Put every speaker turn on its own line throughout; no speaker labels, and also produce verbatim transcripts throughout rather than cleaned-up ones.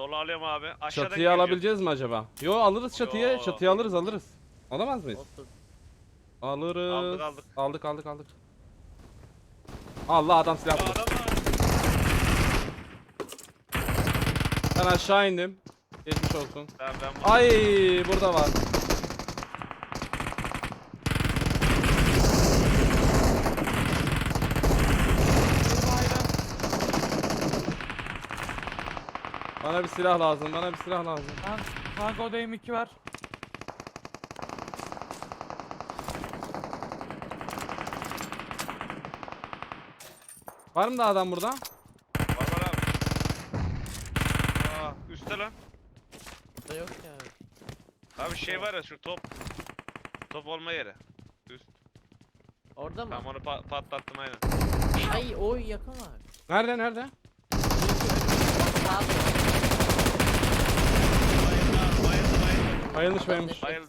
Dolu alıyorum abi. Aşağıdan
Çatıyı
gireceğim.
alabileceğiz mi acaba? Yo alırız çatıyı.
Yo.
Çatıyı alırız alırız. Alamaz mıyız?
Olsun.
Alırız.
Aldık, aldık.
Aldık aldık aldık. Allah adam silah
Aa,
buldu.
adam var.
Ben aşağı indim. Geçmiş olsun.
Tamam ben bunu.
Ay burada var. Bana bir silah lazım. Bana bir silah lazım.
Kan- Kanka odaya M iki var.
Var mı da adam burada?
Var var abi. Aa, üstte lan.
Burada yok ya.
Abi şey var ya şu top. Top olma yeri. Üst.
Orada mı?
Tamam onu pa- patlattım aynen.
Ay oy yakın var.
Nerede nerede?
Sağ ol.
Bayıldı abi, bayıldı bayıldı.
Bayılmış bayılmış.
Bayıldı.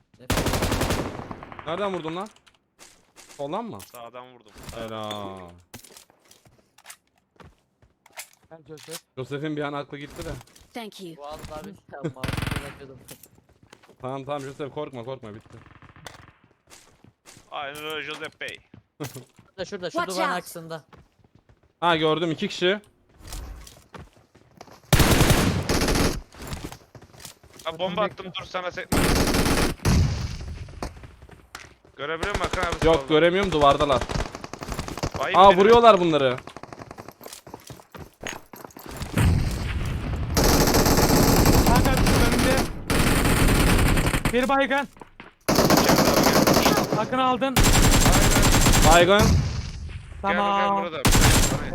Nereden vurdun lan? Soldan mı?
Sağdan vurdum.
Helal.
Gel Joseph.
Joseph'in bir an aklı gitti de.
Thank you.
Bu aldı abi. Tamam abi. Bırakıyordum.
Tamam tamam Joseph korkma korkma bitti.
Aynen öyle Joseph Bey.
Şurada şurada şu
Watch
duvarın
out.
aksında.
Ha gördüm iki kişi.
Ha bomba attım dur sana se... Görebiliyor musun Hakan abi?
Yok
solda?
göremiyorum duvardalar.
Bayım
Aa
beni.
vuruyorlar bunları.
Kanka önümde. Bir baygın.
İçeride abi, gel.
Hakkını aldın.
Baygın.
Gel bakalım
Tamam.
burada. Bana-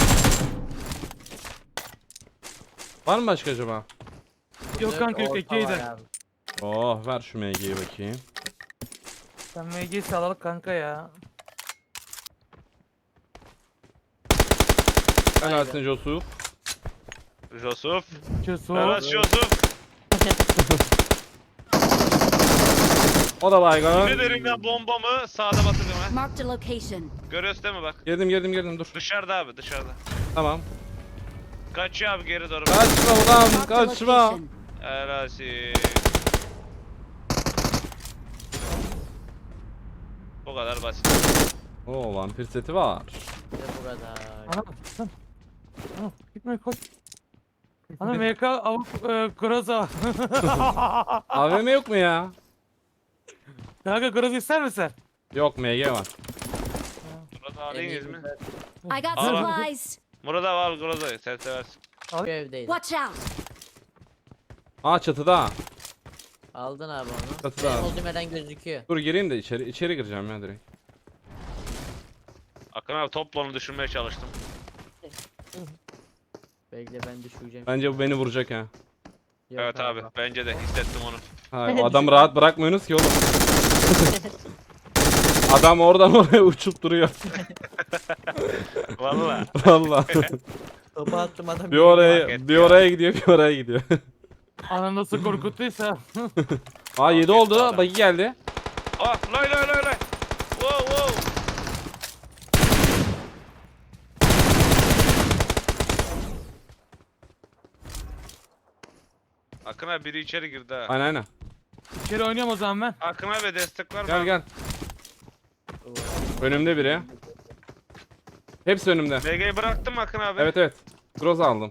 Var mı başka acaba?
Yok kanka yok
Orta
ikiyi
var
de.
abi.
Oh ver şu M G'yi bakayım.
Sen M G'yi salalım kanka ya.
Helalsin Joseph.
Joseph.
Joseph.
Evet Joseph.
O da baygın.
Ne derim ya bombamı sağda batırdım ha.
Marked a location.
Görüyorsun değil mi bak.
Girdim girdim girdim dur.
Dışarıda abi dışarıda.
Tamam.
Kaçıyor abi geri doğru.
Kaçma ulan
Marked a
kaçma.
location.
Helasi. Bu kadar basit.
Oo vampir seti var.
Bir de bu kadar.
Ana sen. Ana gitme koş. Ana M K avuk e, Groza.
A V M yok mu ya?
Kanka Groza ister misin?
Yok M G var.
Murat
En
alayım
iyi
mi?
güzel.
I got
Aa.
supplies.
Murat abi al Groza'yı sen seversin.
Şu evdeydi.
Watch out.
Aa çatıda.
Aldın abi onu.
Çatıda.
Benim olduğum yerden gözüküyor.
Dur gireyim de içeri içeri gireceğim ya direkt.
Akın abi topla onu düşürmeye çalıştım.
Bekle ben düşüreceğim.
Bence bu beni vuracak ha.
Yok
Evet abi bence de hissettim onu.
Ha o adamı rahat bırakmıyorsunuz ki oğlum. Adam oradan oraya uçup duruyor.
Valla.
Vallahi.
Topu attım adam.
bir
Fark
oraya
etti
bir
ya.
oraya gidiyor bir oraya gidiyor.
Ana nasıl korkuttuysa.
Aa yedi
etti
oldu.
adam.
Bagi geldi.
Ah lay lay lay lay. Wow wow. Akın abi biri içeri girdi ha.
Aynen aynen.
İçeri oynuyorum o zaman ben.
Akın abi destek var mı?
Gel gel. Önümde biri. Hepsi önümde.
M G'yi bıraktım Akın abi.
Evet evet. Groza aldım.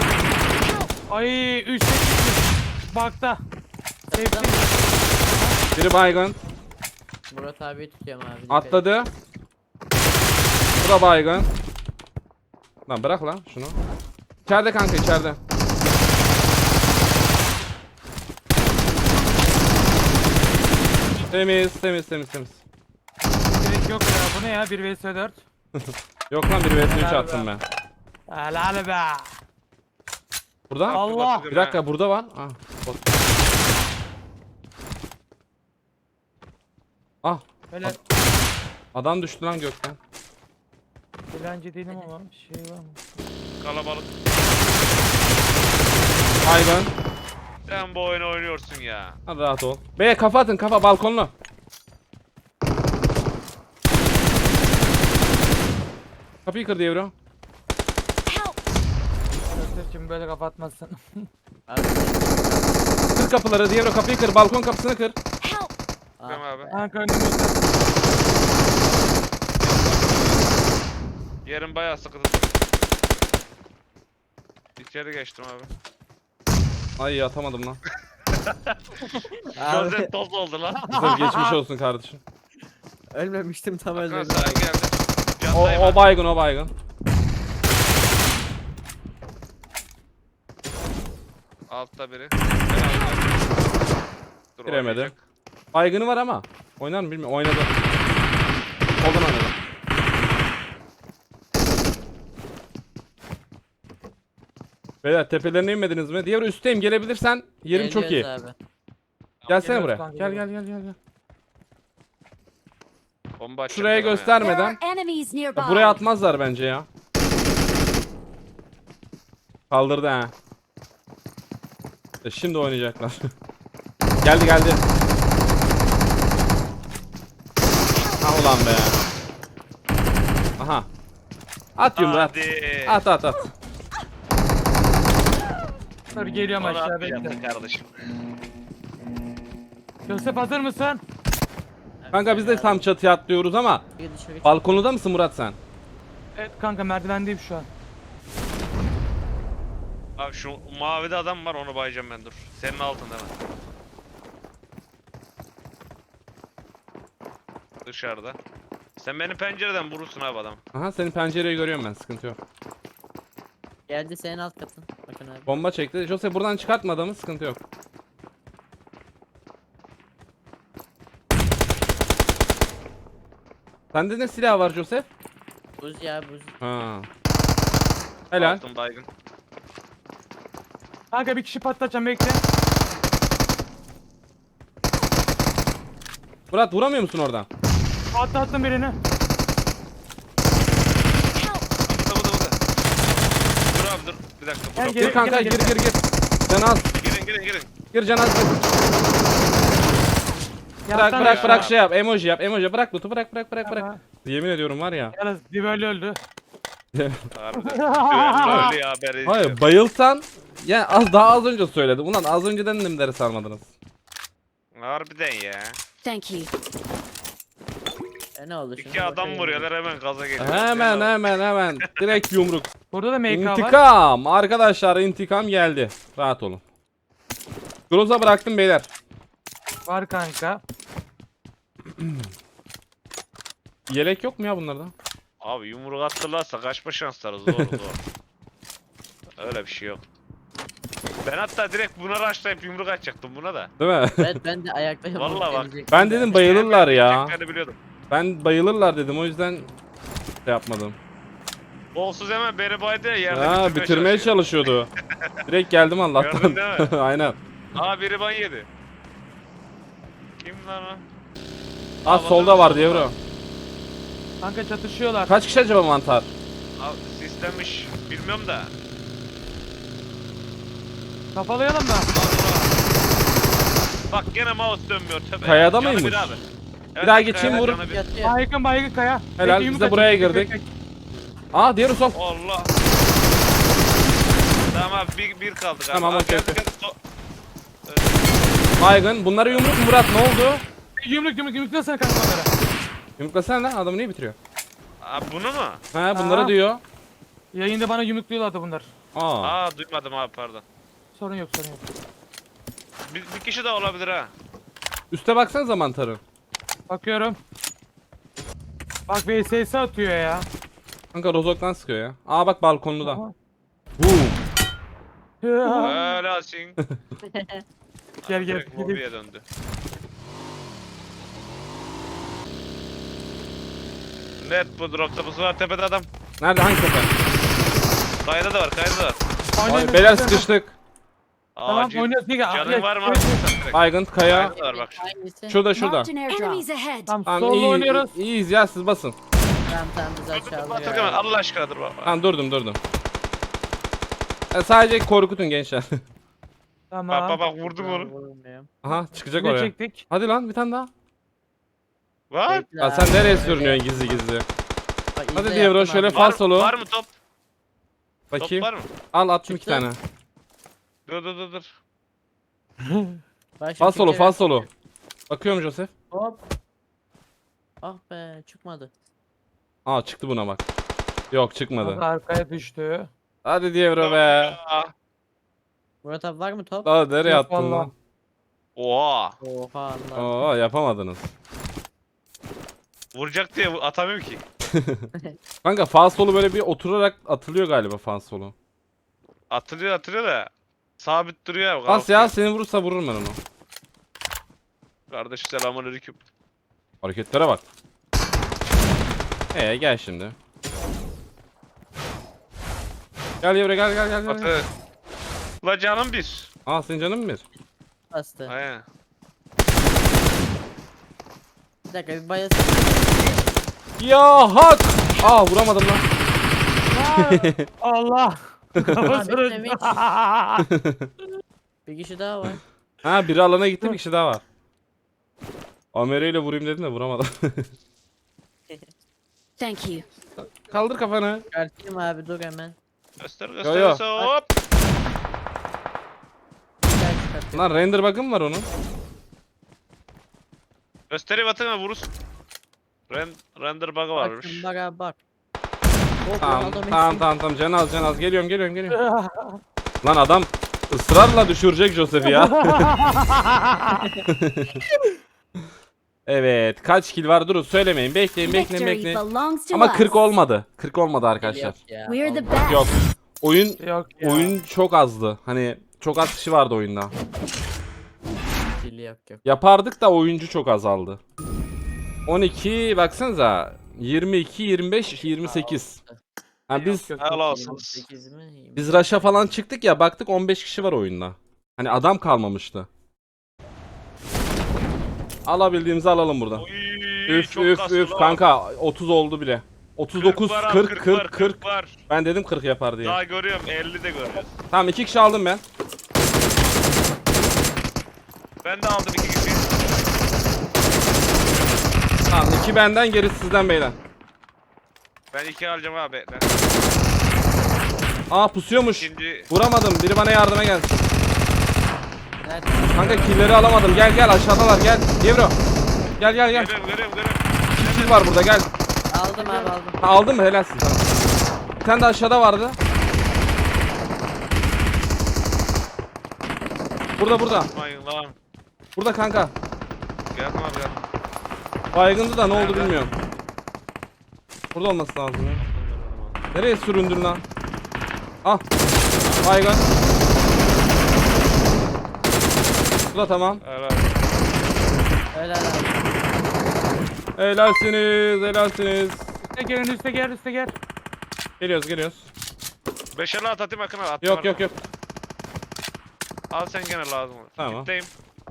Ay üç bakta.
Çatıda mı?
Biri baygın.
Murat abi tutuyorum abi. dikkat et.
Atladı. Bu da baygın. Lan bırak lan şunu. İçeride kanka içeride. Temiz temiz temiz temiz.
Gerek yok ya bu ne ya bir vs dört.
Yok lan bir vs üç
Helal
attım
be.
ben.
Helal be.
Burada?
Allah.
Bir dakika burada var. Ah. bot. Ah.
Böyle
Adam düştü lan gökten.
eğlence değilim ama şey var mı?
Kalabalık.
Baygın.
Sen bu oyunu oynuyorsun ya.
Hadi rahat ol. Beye kafa atın kafa balkonlu. Kapıyı kır diyor bro.
Help.
şimdi böyle kapatmazsın.
Abi,
Kır kapıları. Diğer o kapıyı kır. Balkon kapısını kır.
Help!
Tamam
ah,
abi.
Kanka önümüzde.
Yerim bayağı sıkıntı. İçeri geçtim abi.
Ay atamadım lan.
abi,
Gözler toz oldu lan.
Güzel geçmiş olsun kardeşim.
ölmemiştim tam
Hakan
öldürdüm.
sağa geldi.
O,
Candayım
o
ben.
baygın o baygın.
Altta biri. Herhalde. Dur,
Giremedi.
oynayacak.
Baygını var ama. Oynar mı bilmiyorum. Oynadı. Soldan oynadı. Beyler tepelerine inmediniz mi? Diğer üstteyim, gelebilirsen yerim çok iyi.
Geliyoruz abi.
Gelsene
Geliyoruz
buraya.
kanka,
Gel gel
geliyoruz.
gel gel. gel.
Bomba atacak
Şuraya
adama ya.
There
göstermeden.
are enemies nearby.
Ya buraya atmazlar bence ya. Kaldırdı ha. E şimdi oynayacaklar. Geldi geldi. Ha ulan be. Aha. At yumruğu at.
Hadi.
At at at.
Dur geliyorum
Onu
aşağı
atmayacaktın
bekle.
kardeşim.
Joseph hazır mısın?
Kanka biz de tam çatıya atlıyoruz ama
Bir dışarı-
balkonda mısın Murat sen?
Evet kanka merdivendeyim şu an.
Abi şu mavide adam var, onu bayacağım ben, dur. Senin altında mı? Dışarıda. Sen beni pencereden vurursun abi adam.
Aha senin pencereyi görüyorum ben, sıkıntı yok.
Geldi senin alt katın. Bakın abi.
Bomba çekti. Jose buradan çıkartma adamı, sıkıntı yok. Sende ne silah var Joseph?
Buz ya buz.
Ha. Helal.
Altın baygın.
Kanka bir kişi patlatacağım bekle.
Murat vuramıyor musun oradan?
Patlattım birini.
Help!
Bu da bu da bu da. Dur abi dur. Bir dakika.
Gel,
Dur,
gel.
Gir kanka, gir gir gir. Canaz.
Girin girin girin.
Gir Canaz. Gir. Bırak
Yattan
bırak
aşağı.
bırak şey yap. Emoji yap. Emoji bırak Lutu, bırak bırak bırak bırak.
Tamam.
Yemin ediyorum var ya.
Yalnız Dibeli öldü.
Harbiden. Güvenli öyle ya haberi.
Hayır bayılsan. Ya az daha az önce söyledim. Ulan az önceden nimleri sarmadınız.
Harbiden ya.
Thank you.
E ne oldu şimdi?
İki adam
Bakayım.
vuruyorlar, hemen gaza geliyor.
Hemen hemen hemen. Direkt yumruk.
Burada da M K var.
İntikam. Arkadaşlar intikam geldi. Rahat olun. Groza bıraktım beyler.
Var kanka.
Yelek yok mu ya bunlarda?
Abi yumruk attırlarsa kaçma şansları zor zor. Öyle bir şey yok. Ben hatta direkt buna rushlayıp yumruk atacaktım buna da.
Değil mi?
Evet ben de ayakta yapıp
Vallahi bak.
gelecektim
Ben
de.
dedim bayılırlar ya.
Ben biliyordum.
Ben bayılırlar dedim, o yüzden şey yapmadım.
Golsuz hemen beni baydı ya, yerde
Ha bitirmeye
çalışıyor.
çalışıyordu. Direkt geldim
Gördün
Allah'tan.
değil mi?
Aynen.
Aa biri ban yedi. Kim lan o?
Az solda var diye bro.
Kanka çatışıyorlar.
Kaç kişi acaba mantar?
Abi sistemmiş. Bilmiyorum da.
Kafalayalım da.
Allah. Bak gene mouse dönmüyor tövbe.
Kayada
Canı
mıymış?
bir abi. Evet,
daha geçeyim,
kayada
vurun.
canı bir.
Yatıyor.
Baygın baygın kaya.
Helal,
Bekle,
biz de
yumruk
buraya
atacağım,
girdik.
bek, bek.
Aa diğeri sol.
Allah. Tamam abi bir, bir kaldı galiba.
Tamam,
Abi,
okey,
geldi,
okey.
geldi. So-
Baygın. Bunları yumruk mu Murat, ne oldu?
Yumruk yumruk yumruk nasıl kanka onlara?
Yumruklasana lan, adamı niye bitiriyor?
Abi bunu mu?
Ha bunları
Aa.
diyor.
Yayında bana yumrukluyorlardı bunlar.
Aa.
Aa duymadım abi, pardon.
Sorun yok sorun yok.
Bir, bir kişi de olabilir ha.
Üste baksanıza mantarı.
Bakıyorum. Bak V S S atıyor ya.
Kanka rozoktan sıkıyor ya. Aa bak balkonlu da.
Aha.
Boom.
Ya.
Öyle alsın.
Gel gel.
Direkt lobiye döndü. Net bu dropta, bu sefer tepede adam.
Nerede, hangi tepe?
Kayada da var, kayada da var.
Oynayın,
Ay, beyler
oynayın.
sıkıştık.
Tamam
Acil.
oynuyoruz. Gel,
Canın
gel.
var mı?
Evet, evet.
Direkt.
Baygın kaya.
Kayada da var bak.
Hangisi?
Şurada şurada.
Marked an airdrop. Enemies ahead.
Tamam
Tamam
solo
iyi,
oynuyoruz.
iyi, iyiyiz ya, siz basın.
Tamam tamam biz
Dur dur dur
aşağıda
Batır hemen,
ya.
Allah aşkına dur baba.
Tamam durdum durdum. Ya, sadece korkutun gençler.
Tamam.
Bak bak bak vurdum onu.
Vurmuyorum.
Aha çıkacak
Ne
oraya.
çektik?
Hadi lan bir tane daha.
Var.
Bekle
Ya
abi,
sen nereye
öyle.
sürünüyorsun gizli gizli?
Bak,
Hadi
izle
diye bro
yaptım
şöyle
abi.
fal
Var,
solu.
var mı top? Top
Bakayım.
var mı?
Al attım iki
Çıktı.
tane.
Dur dur dur dur.
Bak şimdi
Fal solo
Türkçe
fal
ver.
solo. Bakıyorum Joseph.
Hop. Ah be çıkmadı.
Aa çıktı buna bak. Yok
Abi
çıkmadı.
arkaya düştü.
Hadi diye bro be.
Ya.
Murat abi var mı top?
Daha nereye
Yok
attın
vallahi.
lan?
Oha.
Oha Allah.
Oo yapamadınız.
Vuracak diye atamıyorum ki.
Kanka fal solu böyle bir oturarak atılıyor galiba fal solu.
Atılıyor atılıyor da. Sabit duruyor ya.
Bas ya
kalkıyor.
seni vurursa vururum ben onu.
Kardeş selamünaleyküm.
Hareketlere bak. Ee gel şimdi. Gel yavru gel gel gel. gel.
Atı. La canım bir.
Aa senin canın mı bir?
Bastı.
Aynen.
Bir dakika bir bayasın.
Ya hak! Aa vuramadım lan.
Allah. Kafasını.
bitmemiş. Bir kişi daha var.
Ha biri alana gitti bir kişi daha var. Amere ile vurayım dedim de vuramadım.
Thank you.
Kaldır kafanı.
Çıkartayım abi dur hemen.
Göster
yo.
göster göster hop.
Gel çıkartayım.
Lan render bug'ı mı var onun?
Göstereyim atına vurursun. Ren render bug'ı
Bak
varmış.
şimdi bak abi bak. Hop,
Tamam
Ronaldo Messi.
tamam tamam tamam can az can az geliyorum geliyorum geliyorum. Lan adam ısrarla düşürecek Joseph'i ya. Evet kaç kill var durun söylemeyin bekleyin bekleyin
Victory
bekleyin.
belongs to
Ama
us.
kırk olmadı. kırk olmadı arkadaşlar.
Yok ya,
We're the
olmaz.
best.
Yok. Oyun
Yok ya.
oyun çok azdı. Hani çok az kişi vardı oyunda.
Dili yok yok.
Yapardık da oyuncu çok azaldı. on iki baksanıza. yirmi iki, yirmi beş, yirmi sekiz. Ha biz
Yok, yok,
Helal
yok.
olsun.
sekiz mi?
biz Rush'a falan çıktık ya baktık on beş kişi var oyunda. Hani adam kalmamıştı. Alabildiğimizi alalım burada.
Oy,
Üf
çok
üf
kaslı
üf
lan.
kanka otuz oldu bile. otuz dokuz,
var abi,
kırk, kırk,
var,
kırk.
var.
Ben dedim kırk yapar diye.
Daha görüyorum elli de görüyoruz.
Tamam iki kişi aldım ben.
Ben de aldım iki kişi.
Tamam iki benden gerisi sizden beyler.
Ben iki alacağım abi. Ben
Aa pusuyormuş.
ikinci
Vuramadım. Biri bana yardıma gelsin.
Nerede?
Kanka killleri alamadım. Gel gel aşağıdalar gel. Yevro. Gel gel gel.
görüyorum görüyorum görüyorum.
Kill var burada gel.
Aldım abi aldım.
Ha, aldın mı? Helalsin tamam. Bir tane de aşağıda vardı. Burada burada.
Mayın lan.
Burada kanka.
Geldim abi geldim.
Baygındı da ne oldu
Nerede?
bilmiyorum. Burada olması lazım ya. Nereye süründün lan? Ah. Baygın. Bu da tamam.
Evet.
Öyle abi.
Helalsiniz, helalsiniz.
Üste gelin üste gel üste gel.
Geliyoruz, geliyoruz.
Beş elli at atayım Akın abi. Attım
Yok
abi.
yok yok.
Al sen gene lazım.
Tamam.
Kitleyim.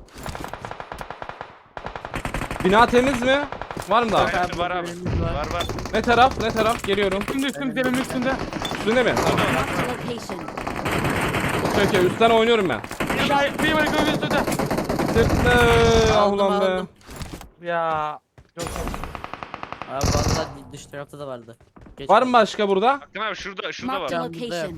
Bina temiz mi? Var mı daha?
Aynen.
Abi,
var abi.
bölümümüz var.
Var var.
Ne taraf? Ne taraf? Geliyorum.
Üstünde üstünde senin üstünde.
Üstünde mi? Tamam.
Marked a location.
Okey okey. Üstten oynuyorum ben.
Bir daha bir var göğün üstünde.
Sırtlı. Ah
Aldım,
ulan be.
aldım.
Ya. Yok.
Abi vallahi dış tarafta da vardı. Geç
Var mı
kaldım.
başka burada?
Akın abi şurada şurada
Marked
var.
a
Can burada.
location.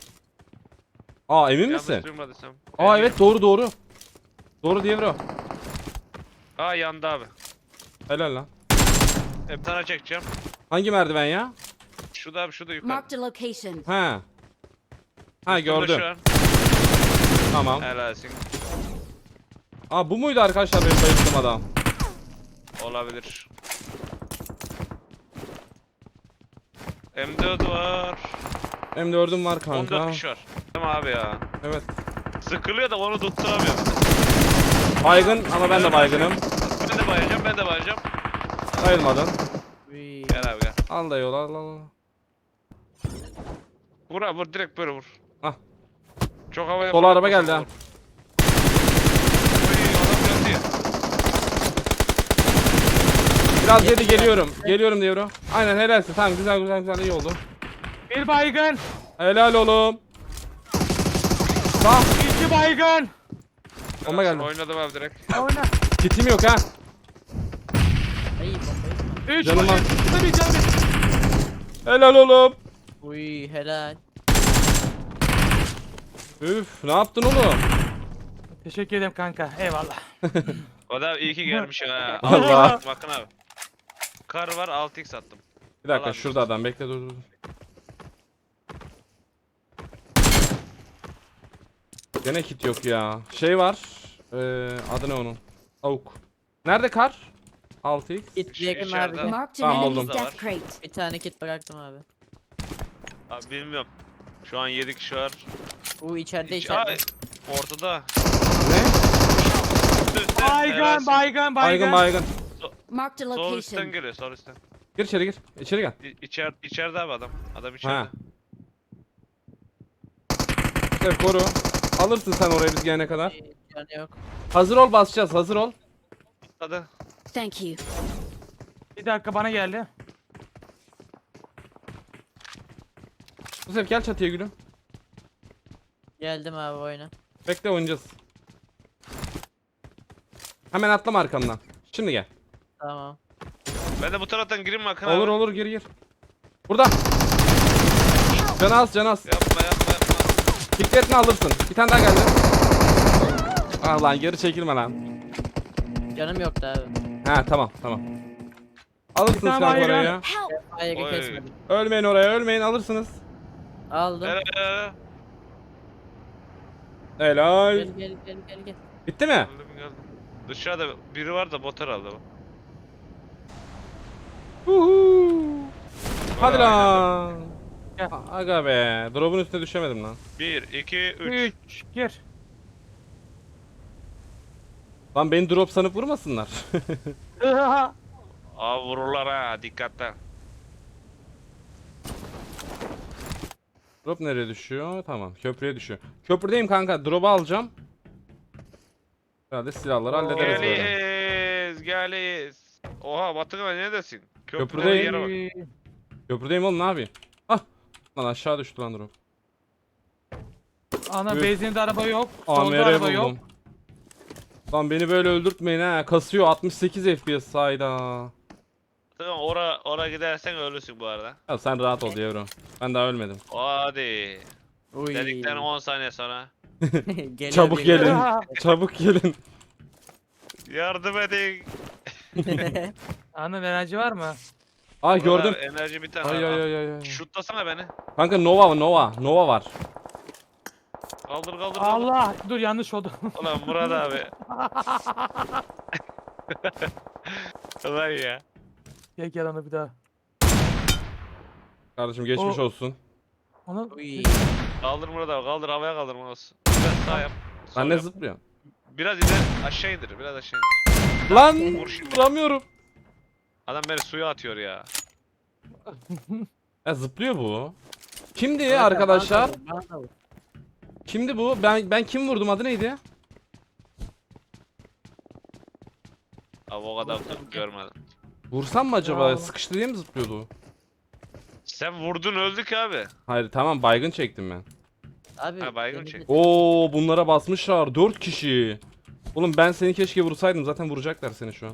Aa emin
Yanlış
misin?
duymadıysam.
Aa evet doğru doğru. Doğru diye bro.
Aa yandı abi.
Helal lan.
Bir tane çekeceğim.
Hangi merdiven ya?
Şurada abi şurada yukarı.
Marked a location.
Ha. Ha
Üstümde
gördüm.
şu an.
Tamam.
Helalsin.
Aa bu muydu arkadaşlar benim bayılttığım adam?
Olabilir. M dört var.
M dördüm var
on
kanka.
dört kişi var. Tamam abi ya.
Evet.
Sıkılıyor da onu tutturamıyorum.
Baygın ama ben de baygınım.
Ben de bayacağım, ben de bayacağım.
Bayılmadın.
Uy.
Gel abi gel.
Al da yol al al. al.
Vur abi vur, direkt böyle vur.
Ah.
Çok havaya
Sol araba geldi ha.
Oy, adam geldi.
Biraz yedi geliyorum. Geliyorum diyor bro. Aynen helalsin. Tamam güzel güzel güzel iyi oldu.
Bir baygın.
Helal oğlum. Sağ.
İki baygın.
Bomba geldi.
Oynadım abi direkt.
Oyna.
Kitim yok ha.
Ay bombayı.
Üç
Canım
baygın.
var.
Tabii canım.
Helal oğlum.
Uy helal.
Üf ne yaptın oğlum?
Teşekkür ederim kanka. Eyvallah.
O da iyi ki gelmiş ha.
Allah.
Bakın abi. Kar var altı x attım.
Bir dakika
Allah
şurada adam bekle dur dur. Gene kit yok ya. Şey var. Ee, adı ne onun? Avuk. Nerede kar? altı x.
Kit
Şu
yakın abi.
içeride.
gel.
Marked
Tamam,
an
buldum.
enemy's death crate.
Bir tane kit bıraktım abi.
Abi bilmiyorum. Şu an yedi kişi var.
Bu içeride
İç-
içeride.
Ay, ortada.
Ne?
Üstte, üstte.
Baygın
Helalsin.
baygın
Baygın
baygın.
baygın.
Marked a
Sol üstten
location.
geliyor sol üstten.
Gir içeri gir. İçeri gel.
İ- İçer, içeride abi adam. Adam içeride.
Ha. İşte koru. Alırsın sen oraya biz gelene kadar.
Yani yok.
Hazır ol basacağız hazır ol.
Hadi.
Thank you.
Bir dakika bana geldi.
Bu sefer gel çatıya gülüm.
Geldim abi oyuna.
Bekle oynayacağız. Hemen atlama arkamdan. Şimdi gel.
Tamam.
Ben de bu taraftan gireyim mi Akın
Olur
abi?
olur gir gir. Burada. Can az can az.
Yapma yapma yapma.
Fikretini alırsın. Bir tane daha geldi. Ah lan geri çekilme lan.
Canım yoktu abi.
Ha tamam tamam. Alırsınız
Bir tane
kanka
bayram.
oraya.
Help!
Baygın
Oy.
kesmedim.
Ölmeyin oraya ölmeyin alırsınız.
Aldım.
Eee.
Helal.
Gel gel gel gel gel.
Bitti mi?
Geldim geldim. Dışarıda biri var da bot herhalde bu.
Huhu. Hadi
Vay,
lan.
Gel.
A- Aga be. Drop'un üstüne düşemedim lan.
bir, iki, üç.
üç. Gir.
Lan beni drop sanıp vurmasınlar.
Aa vururlar ha dikkatli.
Drop nereye düşüyor? Tamam köprüye düşüyor. Köprüdeyim kanka. Drop'u alacağım. Herhalde silahları
Oo.
hallederiz böyle.
Geliyiz geliyiz. Oha Batıkan neredesin? Köprüde
Köprüdeyim.
yere bak.
Köprüdeyim oğlum ne yapayım? Ah. Lan aşağı düştü lan drop.
Ana
Üf.
benzinli araba yok. Solda
A M R
araba yok.
buldum. Lan beni böyle öldürtmeyin ha. Kasıyor altmış sekiz F P S sayda.
Batıkan ora, ora gidersen ölürsün bu arada.
Ya sen rahat ol yavrum. Ben daha ölmedim.
Hadi.
Uy.
Dedikten on saniye sonra.
Geliyor,
Çabuk
geliyor.
gelin. Çabuk gelin.
Yardım edin.
Ana enerji var mı?
Aa gördüm.
Buralar Enerji bir tane.
Ay
var.
ay ay ay. ay.
Şutlasana beni.
Kanka Nova Nova Nova var.
Kaldır kaldır kaldır.
Allah dur yanlış oldu.
Ulan Murat abi. Ulan ya.
Gel gel ana bir daha.
Kardeşim geçmiş
O-
olsun.
Onu
Uy.
Kaldır Murat abi kaldır havaya kaldır Murat olsun. Biraz sağ yap. sol
Ben ne
yap.
zıplıyorum?
Biraz ileri aşağı indir biraz aşağı indir.
Lan
Vur şimdi.
vuramıyorum.
Adam beni suya atıyor ya.
Ya zıplıyor bu. Kimdi
Bana da-
arkadaşlar?
bana da vur, bana da vur.
Kimdi bu? Ben ben kim vurdum adı neydi?
Abi o kadar da görmedim.
Vursam mı acaba?
Ya.
Sıkıştı diye mi zıplıyordu o?
Sen vurdun öldük abi.
Hayır tamam baygın çektim ben.
Abi.
Ha, baygın
denizde-
çek.
Oo bunlara basmışlar dört kişi. Oğlum ben seni keşke vursaydım zaten vuracaklar seni şu an.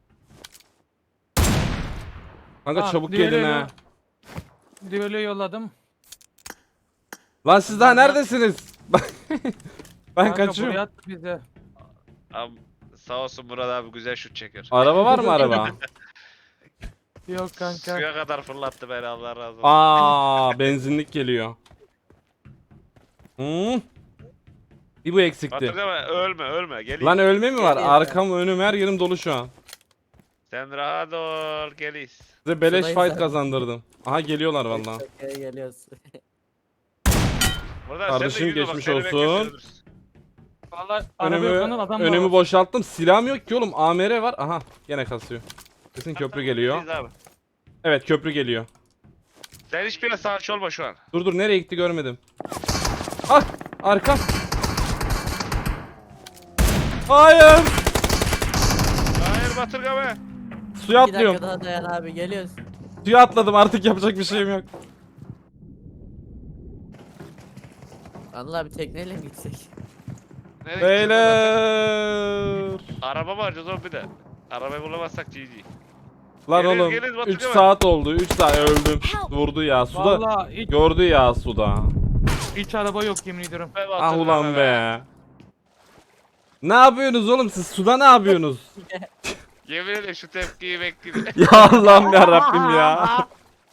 Kanka
Ha,
çabuk
diğeri
gelin
öyle.
ha.
Düğülü yolladım.
Lan siz daha
Kanka-
neredesiniz? Ben
Kanka,
kaçıyorum.
buraya at bize.
Abi sağ olsun Murat abi güzel şut çeker.
Araba var mı araba?
Yok kanka.
Suya kadar fırlattı beni Allah razı olsun.
Aa benzinlik geliyor. Hmm. Bir bu eksikti.
Hatırlama ölme ölme gel.
Lan ölme mi var?
Geliyor.
Arkam önüm her yerim dolu şu an.
Sen rahat ol geliyiz.
Size beleş
Sudayı
fight
sen-
kazandırdım. Aha geliyorlar vallahi.
Şakaya geliyoruz.
Burada
Kardeşim,
sen de yürü bak,
geçmiş
seni
olsun.
bekletiyoruz.
Vallahi araba yok
Önümü,
lan adam
önümü
var.
boşalttım. Silahım yok ki oğlum. A M R var. Aha gene kasıyor. Kesin köprü geliyor.
Biz abi.
Evet köprü geliyor.
Sen hiçbir yere sağ olma şu an.
Dur dur nereye gitti görmedim. Ah arkam. Hayır.
Hayır Batırga be.
Suya
İki dakika
atlıyorum.
daha dayan abi geliyoruz.
Suya atladım artık yapacak bir şeyim yok.
Anıl abi tekneyle mi gitsek?
Nereye gideceğiz Batırga?
Beyler.
Araba var oğlum bir de. Arabayı bulamazsak G G.
Lan
Gelin,
oğlum
gelin, Batık
üç
hemen.
saat oldu. üç saat öldüm. Vurdu ya suda.
Vallahi ilk
Gördü ya suda.
Hiç araba yok yemin ediyorum.
Be
Ah
Batur
ulan be. Ne yapıyorsunuz oğlum siz suda ne yapıyorsunuz?
Yemin ederim şu tepkiyi bekledim.
Ya Allah'ım ya Rabbim ya.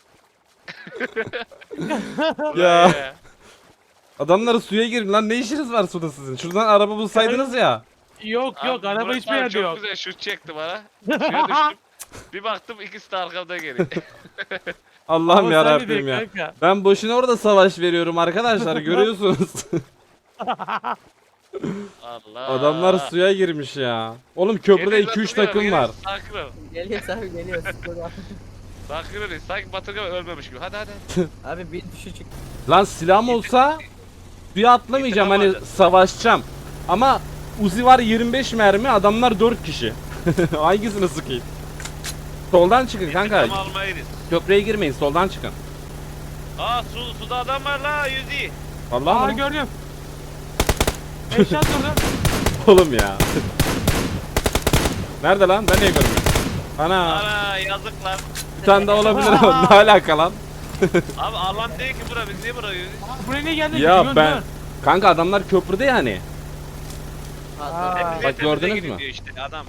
Ya.
Buraya.
Adamları suya girin lan ne işiniz var suda sizin? Şuradan araba bulsaydınız ya.
Yok yok
Abi,
araba
Murat
hiçbir
abi
yerde
çok
yok.
güzel şut çekti bana. Suya düştüm. Bir baktım ikisi de arkamda geliyor.
Allah'ım
Ama
ya
sen de
Rabbim
değil
ya.
kanka.
Ben boşuna orada savaş veriyorum arkadaşlar görüyorsunuz.
Allah.
Adamlar suya girmiş ya. Oğlum köprüde iki üç takım var.
Sakin ol.
Geliyor abi geliyor. Sıkıldı abi.
Sakin ol. Sanki Batırgan ölmemiş gibi. Hadi hadi.
Abi bir düşü çıktı.
Lan silahım olsa suya atlamayacağım hani
İntikam
savaşacağım. Ama Uzi var yirmi beş mermi adamlar dört kişi. Hangisini sıkayım? Soldan çıkın kanka.
İntikam almayız.
Köprüye girmeyin soldan çıkın.
Aa su, suda adam var la yüzü.
Vallahi
Aa
mı?
gördüm. Eşat vurdum.
Oğlum ya. Nerede lan? Ben niye görmüyorum? Ana
Ana yazık lan.
bir tane daha olabilir ama ne alaka lan?
Abi alan değil ki bura biz niye buraya yürüyoruz?
Buraya niye geldin?
Ya
Dön,
ben
dön.
kanka adamlar köprüde yani.
Aa.
Temize
Bak
temize
gördünüz
gidin
mü?
diyor işte adam.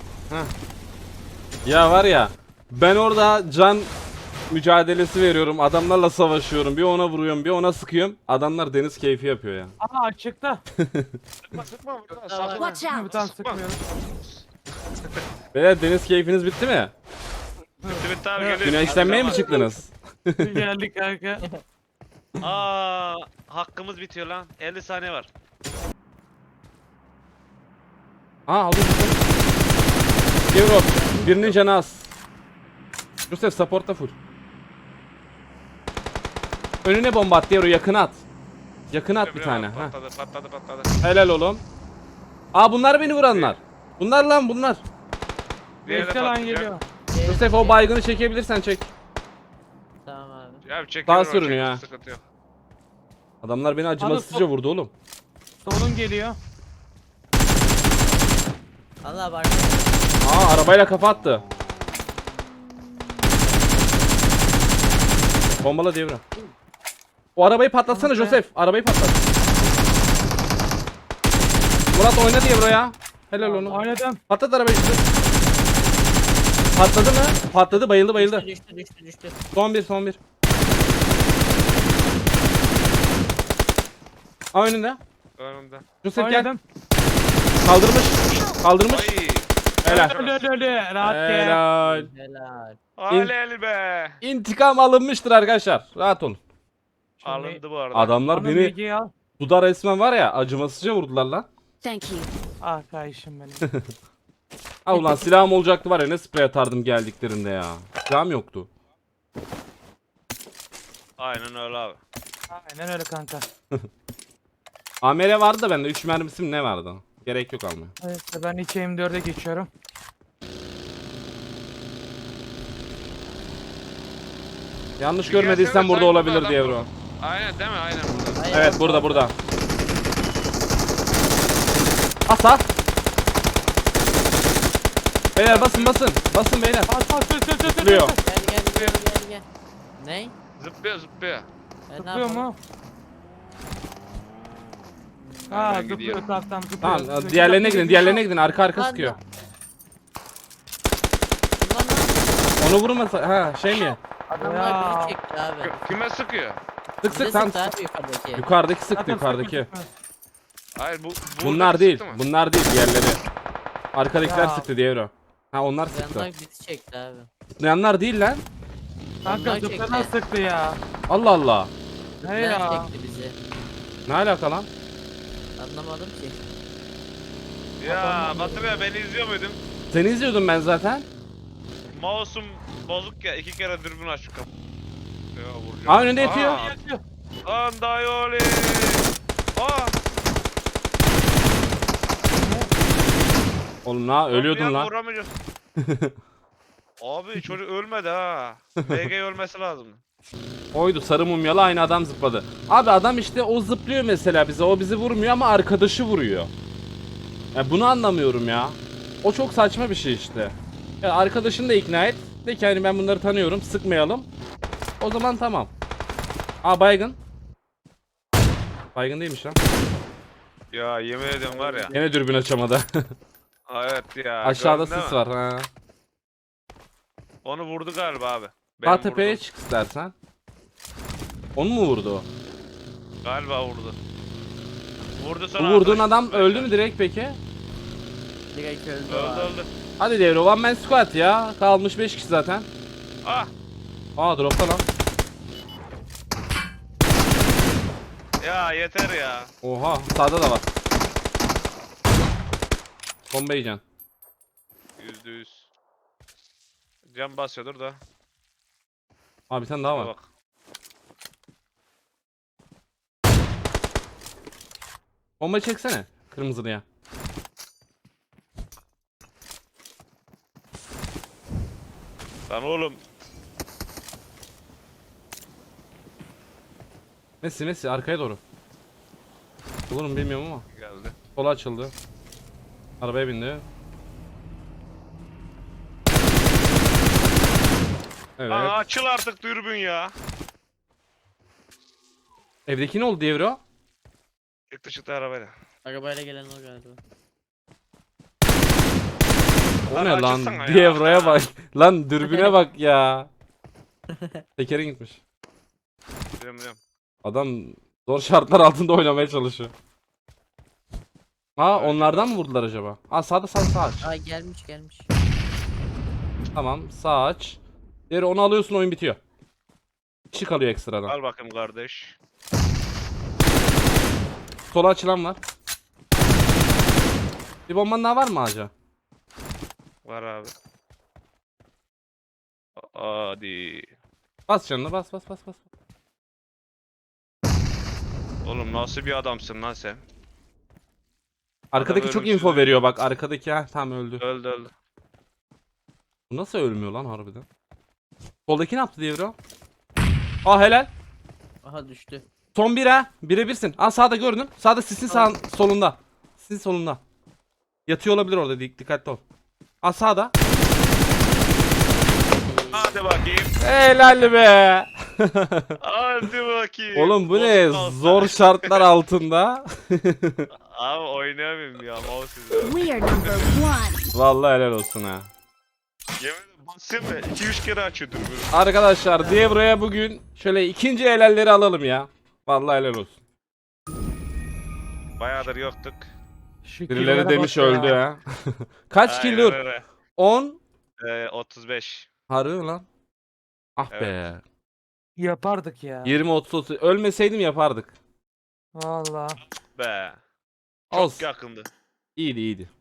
Ya var ya ben orada can mücadelesi veriyorum. Adamlarla savaşıyorum. Bir ona vuruyorum, bir ona sıkıyorum. Adamlar deniz keyfi yapıyor ya.
Aa açıkta.
Sıkma sıkma buradan
Tamam.
sakın.
Watch
Bir
out.
tane sıkmıyorum.
Beyler deniz keyfiniz bitti mi?
Bitti bitti abi
Evet.
geliyor.
Güneşlenmeye mi
Hadi
çıktınız?
Geldik kanka.
zaman. Aa hakkımız bitiyor lan. elli saniye var.
Aa aldım. Europe. Birinin canı az. Yusuf support'ta full. Önüne bomba at Diero yakına at. Yakına at bir tane. Ha.
Patladı patladı patladı.
Helal oğlum. Aa bunlar beni vuranlar. Bunlar lan bunlar.
Diğeri de
Bekle lan
patlayacak.
geliyor.
Yusuf o baygını çekebilirsen çek.
Tamam abi.
Ya çekiyor.
Daha
o,
sürünüyor
çekiyor,
ha.
Sıkıntı yok.
Adamlar beni acımasızca vurdu oğlum.
Solun geliyor.
Allah bak.
Aa arabayla kafa attı. Bombala devre. O arabayı patlatsana
Tamam be.
Joseph. Arabayı patlat. Murat oyna diye buraya. Helal onu.
Oynadım.
Patlat arabayı işte. Patladı mı? Patladı bayıldı bayıldı.
Düştü düştü düştü.
Son bir son bir. Aa önünde.
Önümde.
Joseph gel.
Oynadım.
Kaldırmış. Kaldırmış.
Ay.
Helal.
Öldü öldü öldü. Rahat gel.
Helal.
Helal.
Aleli be.
İntikam alınmıştır arkadaşlar. Rahat olun.
Şimdi-
Alındı bu arada.
Adamlar
Anam
beni
bilgiyi al.
suda resmen var ya acımasızca vurdular lan.
Thank you.
Ah kayışım benim.
Ha ulan silahım olacaktı var ya ne sprey atardım geldiklerinde ya. Silahım yoktu.
Aynen öyle abi.
Aynen öyle kanka.
A M R vardı da bende üç mermisi mi ne vardı? Gerek yok almaya.
Evet ben iki M dörde geçiyorum.
Yanlış
Dünya
görmediysen
seni
burada
sanki
olabilir
adam
diye
vurdu.
bro.
Aynen değil mi? Aynen burada.
Hayır,
Evet burada burada. Asa. Beyler basın basın. Basın beyler.
Bas bas sür sür sür sür.
Zıplıyor.
Gel gel gel gel gel. Ney?
Zıplıyor zıplıyor.
E, ne
Zıplıyor
yapalım?
mu? Ha
Ben
zıplıyor
gidiyorum.
tamam tamam zıplıyor.
Tamam
zıplıyor.
diğerlerine gidin diğerlerine gidin arka arka
Lan,
sıkıyor.
Ulan lan.
Onu vurmasa ha şey mi?
Adamlar
Ya.
bizi çekti abi.
K- Kime sıkıyor?
Sık
Bize
sık tam
sıktı abi yukarıdaki.
yukarıdaki sıktı
Zaten
yukarıdaki.
sıkma, sıkma.
Hayır bu
Bunlar
buradaki
değil.
sıktı mı?
Bunlar değil diğerleri. Arkadakiler
Ya.
sıktı diğeri o. Ha onlar sıktı.
Yanlar bizi çekti abi.
Zıplayanlar değil lan.
Kanka
Onlar
zıplayan
çekti.
sıktı ya.
Allah Allah.
He
Zıplayan
ya.
çekti bizi.
Ne alaka lan?
Anlamadım ki.
Ya Batır ya beni izliyor muydun?
Seni izliyordum ben zaten.
Mouse'um bozuk ya iki kere dürbün aç şu kapı. Ya vuracağım.
Aa önünde yatıyor.
Aa,
Yatıyor.
Andayoli. Aa.
Oğlum la ölüyordun
Kapıya
lan.
vuramayacağız. Abi çocuk ölmedi ha. B G ölmesi lazım.
Oydu sarı mumyalı aynı adam zıpladı. Abi adam işte o zıplıyor mesela bize. O bizi vurmuyor ama arkadaşı vuruyor. Ya bunu anlamıyorum ya. O çok saçma bir şey işte. Ya arkadaşını da ikna et. De ki hani ben bunları tanıyorum sıkmayalım. O zaman tamam. Aa baygın. Baygın değilmiş lan.
Ya yemin ediyorum var ya.
Yine dürbün açamadı.
Evet ya.
Aşağıda
gördün değil
sis
mi?
var. Ha.
Onu vurdu galiba abi.
Sağ
Benim
tepeye
vurdum.
çık istersen. Onu mu vurdu o?
Galiba vurdu. Vurdu
Bu
sonra.
vurduğun
arkadaş-
adam öldü mü direkt peki?
Direkt öldü. o
Öldü
abi.
öldü.
Hadi devre one man squad ya. Kalmış beş kişi zaten.
Ah.
Aa dropta lan.
Ya yeter ya.
Oha sağda da var. Bomba yiyeceksin.
Yüzde yüz. Cam basıyordur da.
Aa bir tane daha
Şuna
var.
bak.
Bomba çeksene. Kırmızılıya.
Lan oğlum.
Messi Messi arkaya doğru. Olur mu bilmiyorum ama.
Geldi.
Sola açıldı. Arabaya bindi. Evet.
Aa, açıl artık dürbün ya.
Evdeki ne oldu devre o?
Çıktı çıktı arabayla.
Arabayla gelen o galiba.
O
Lan
ne lan?
açılsana ya.
Devreye bak. Lan dürbüne bak ya. Tekerin gitmiş.
Biliyorum biliyorum.
Adam zor şartlar altında oynamaya çalışıyor. Ha onlardan mı vurdular acaba? Aa sağda sağda sağ aç.
Ay gelmiş gelmiş.
Tamam sağ aç. Diğeri onu alıyorsun oyun bitiyor. Kişi kalıyor ekstradan.
Al bakayım kardeş.
Sola açılan var. Bir bomban daha var mı ağaca?
Var abi. Hadi.
Bas canına bas bas bas bas.
Oğlum nasıl bir adamsın lan sen?
Arkadaki
Adam
çok
ölümsüz
info
öldü.
veriyor bak arkadaki ha tam öldü.
Öldü öldü.
Bu nasıl ölmüyor lan harbiden? Soldaki ne yaptı diye bro? Aa helal.
Aha düştü.
Son bir ha. Bire birsin. Aa sağda gördün. Sağda sisin sağ solunda. Sisin solunda. Yatıyor olabilir orada dik dikkatli ol. Aa sağda.
Hadi bakayım.
Helal be.
Hadi bakayım.
Oğlum bu ne?
Olsun olsun.
Zor şartlar altında.
Abi oynayamıyorum ya mouse yüzünden.
We are number one.
Vallahi helal olsun ha.
Yemin ederim basayım mı? iki üç kere açıyor dürbünü.
Arkadaşlar Devro'ya bugün şöyle ikinci helalleri alalım ya. Vallahi helal olsun.
Bayağıdır yoktuk.
Şu
Birileri
killere
demiş
bak ya.
öldü ha. Kaç kill dur?
Aynen öyle.
on.
Ee, otuz beş.
Harbi mi lan? Ah be.
Evet.
Yapardık ya.
yirmi otuz otuz. Ölmeseydim yapardık.
Valla.
Be. Çok
Olsun.
yakındı.
İyiydi iyiydi.